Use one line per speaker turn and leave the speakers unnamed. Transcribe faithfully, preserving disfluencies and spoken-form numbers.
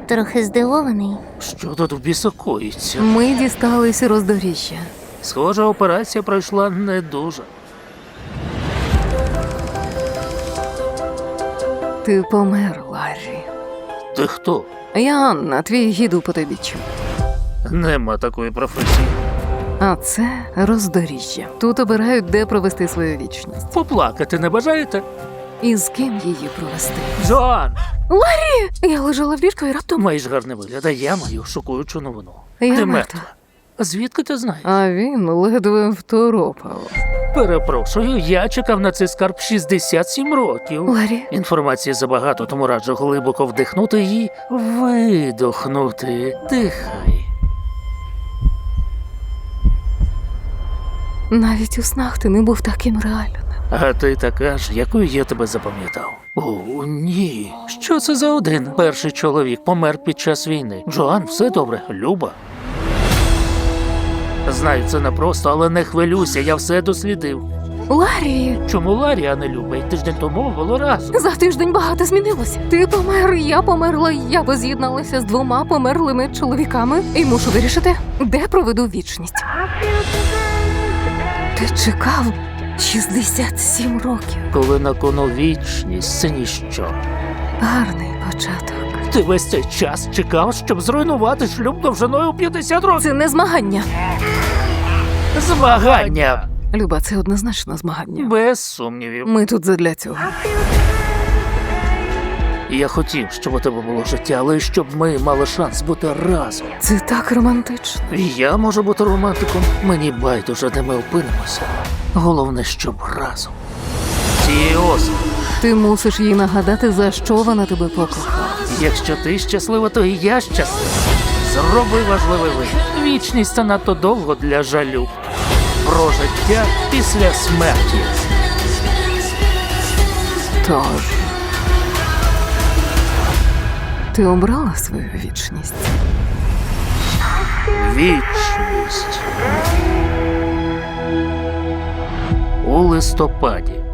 Трохи здивований.
Що тут в біса коїться?
Ми дісталися роздоріжжя.
Схоже, операція пройшла не дуже.
Ти помер, Ларрі.
Ти хто?
Я Анна, твій гід у потойбіччю.
Нема такої професії.
А це роздоріжжя. Тут обирають, де провести свою вічність.
Поплакати не бажаєте?
І з ким її провести.
Джоан!
Я лежала в ліжку і раптом...
Маєш гарний вигляд, а я маю шокуючу новину.
Я
ти
мертва.
мертва. А звідки ти знаєш?
А він ледве второпав.
Перепрошую, я чекав на цей скарб шістдесят сім років.
Ларрі,
Інформації забагато, тому раджу глибоко вдихнути і видохнути. Дихай.
навіть у снах ти не був таким реальним.
А ти така ж, якою я тебе запам'ятав. О, ні. Що це за один? Перший чоловік помер під час війни. Джоан, все добре, Люба. Знаю, це непросто, але не хвилюйся, я все дослідив.
Ларрі,
Чому Ларі, а не Люба? І тиждень тому було разом.
за тиждень багато змінилося. Ти помер, я померла, я воз'єдналася з двома померлими чоловіками і мушу вирішити, де проведу вічність. Ти чекав шістдесят сім років.
Коли на кону вічність, це ніщо.
Гарний початок.
Ти весь цей час чекав, щоб зруйнувати шлюб довжиною у п'ятдесят років.
Це не змагання.
Змагання!
Люба, це однозначно змагання.
Без сумнівів.
Ми тут задля цього.
Я хотів, щоб у тебе було життя, але щоб ми мали шанс бути разом.
Це так романтично.
Я можу бути романтиком. Мені байдуже, де ми опинимося. Головне, щоб разом. Цієї осені.
Ти мусиш їй нагадати, за що вона тебе покохала.
Якщо ти щаслива, то і я щаслива. Зроби важливий вибір. Вічність – це надто довго для жалю. Про життя після смерті.
Тож, ти обрала свою вічність?
Вічність. У листопаді.